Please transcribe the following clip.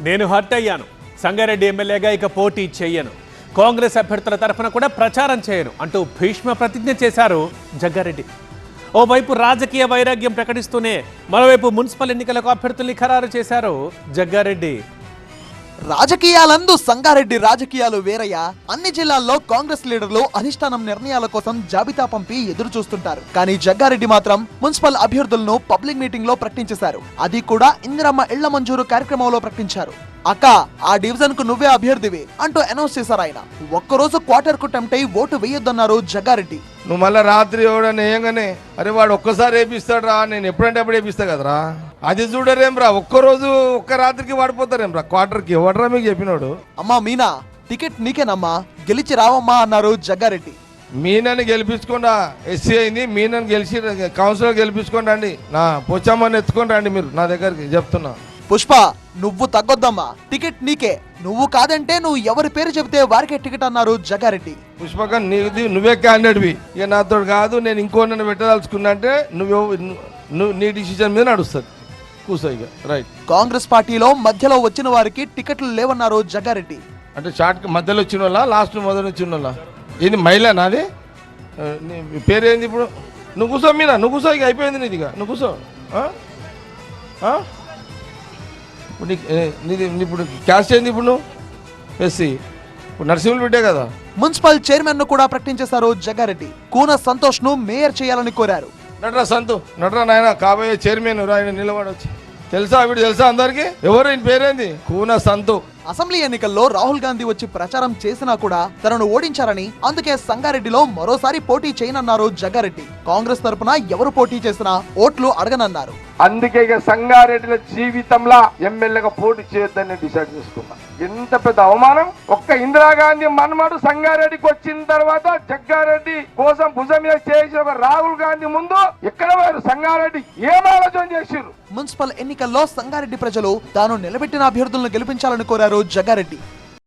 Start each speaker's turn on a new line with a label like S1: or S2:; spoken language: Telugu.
S1: నేను హర్ట్ అయ్యాను. సంగారెడ్డి ఎమ్మెల్యేగా ఇక పోటీ చేయను, కాంగ్రెస్ అభ్యర్థుల తరఫున కూడా ప్రచారం చేయను అంటూ భీష్మ ప్రతిజ్ఞ చేశారు జగ్గారెడ్డి. ఓవైపు రాజకీయ వైరాగ్యం ప్రకటిస్తూనే మరోవైపు మున్సిపల్ ఎన్నికలకు అభ్యర్థుల్ని ఖరారు చేశారు జగ్గారెడ్డి.
S2: రాజకీయాలందు సంగారెడ్డి రాజకీయాలు వేరయ్యా. అన్ని జిల్లాల్లో కాంగ్రెస్ లీడర్లు అధిష్టానం నిర్ణయాల కోసం జాబితా పంపి ఎదురు చూస్తుంటారు. కానీ జగ్గారెడ్డి మాత్రం మున్సిపల్ అభ్యర్థులను పబ్లిక్ మీటింగ్ లో ప్రకటించేశారు. అది కూడా ఇందిరమ్మ ఇళ్ల మంజూరు కార్యక్రమంలో ప్రకటించారు. అక్క, ఆ డివిజన్ కు నువ్వే అభ్యర్థివి అంటూ అనౌన్స్ చేశారు ఆయన. ఒక్కరోజు క్వార్టర్ కు టెంప్ట్ అయి ఓటు వేయొద్దన్నారు జగ్గారెడ్డి.
S3: నువ్వు మళ్ళీ రాత్రి ఎవడని వేయంగానే అరే వాడు ఒక్కసారి వేపిస్తాడు రా, నేను ఎప్పుడంటే అప్పుడు వేపిస్తా కదరా, అది చూడరేం రా, ఒక్కరోజు ఒక్క రాత్రికి వాడిపోతారేం రా క్వార్టర్కి. ఎవడరా మీకు చెప్పినోడు?
S2: అమ్మా మీనా, టికెట్ నీకేనమ్మా, గెలిచి రావమ్మా అన్నారు జగ్గారెడ్డి.
S3: మీనని గెలిపించుకోండి, ఎస్సీ అయింది, మీనని గెలిచి కౌన్సిలర్ గెలిపించుకోండి అండి, నా పొచ్చమ్మని ఎత్తుకొని రండి మీరు నా దగ్గరికి చెప్తున్నా.
S2: పుష్ప, నువ్వు తగ్గొద్దమ్మా, టికెట్ నీకే, నువ్వు కాదంటే నువ్వు ఎవరి పేరు చెబితే వారికే టికెట్ అన్నారు జగ్గారెడ్డి.
S3: పుష్పక నువ్వే క్యాండిడేట్వి, ఇక నాతో కాదు, నేను ఇంకో నన్ను పెట్టదలుచుకున్నా అంటే నువ్వు నీ డిసిజన్ మీద నడుస్తుంది, కూర్చో ఇక. రైట్.
S2: కాంగ్రెస్ పార్టీలో మధ్యలో వచ్చిన వారికి టికెట్లు లేవన్నారు జగ్గారెడ్డి.
S3: అంటే షార్ట్ మధ్యలో వచ్చిన వాళ్ళ, లాస్ట్ మొదలు వచ్చిన వాళ్ళ? ఏంది మహిళ నాది? నీ పేరేంది ఇప్పుడు? నువ్వు కూర్చో మీనా, నువ్వు కూర్చో, ఇక అయిపోయింది నీది, ఇక నువ్వు కూర్చో. నీది ఇప్పుడు క్యాస్ట్ ఏంది ఇప్పుడు? నువ్వు ఎస్సీ, ఇప్పుడు నరసింహులు బిడ్డే కదా.
S2: మున్సిపల్ చైర్మన్ ను కూడా ప్రకటించేశారు జగ్గారెడ్డి. కూన సంతోష్ ను మేయర్ చేయాలని కోరారు.
S3: నటరా సంతు, నటరా నాయన, కాబోయే చైర్మన్ ఆయన నిలబడొచ్చు. తెలుసా వీడు? తెలుసా అందరికి? ఎవరు ఈయన పేరేంది? కూన సంతు.
S2: అసెంబ్లీ ఎన్నికల్లో రాహుల్ గాంధీ వచ్చి ప్రచారం చేసినా కూడా తనను ఓడించారని, అందుకే సంగారెడ్డిలో మరోసారి పోటీ చేయనన్నారు జగ్గారెడ్డి. కాంగ్రెస్ తరపున ఎవరు పోటీ చేసినా ఓట్లు అడగనన్నారు.
S4: అందుకే ఇక సంగారెడ్డిల జీవితంలో ఎమ్మెల్యేగా పోటీ చేయొద్దని డిసైడ్ చేసుకున్నా. ఎంత పెద్ద అవమానం! ఒక్క ఇందిరాగాంధీ మన్మడు సంగారెడ్డికి వచ్చిన తర్వాత జగ్గారెడ్డి కోసం భుజం మీద చేసిన ఒక రాహుల్ గాంధీ ముందు ఎక్కడ వారు సంగారెడ్డి ఏం ఆలోచన చేసిర్రు?
S2: మున్సిపల్ ఎన్నికల్లో సంగారెడ్డి ప్రజలు తాను నిలబెట్టిన అభ్యర్థులను గెలిపించాలని కోరారు జగ్గారెడ్డి.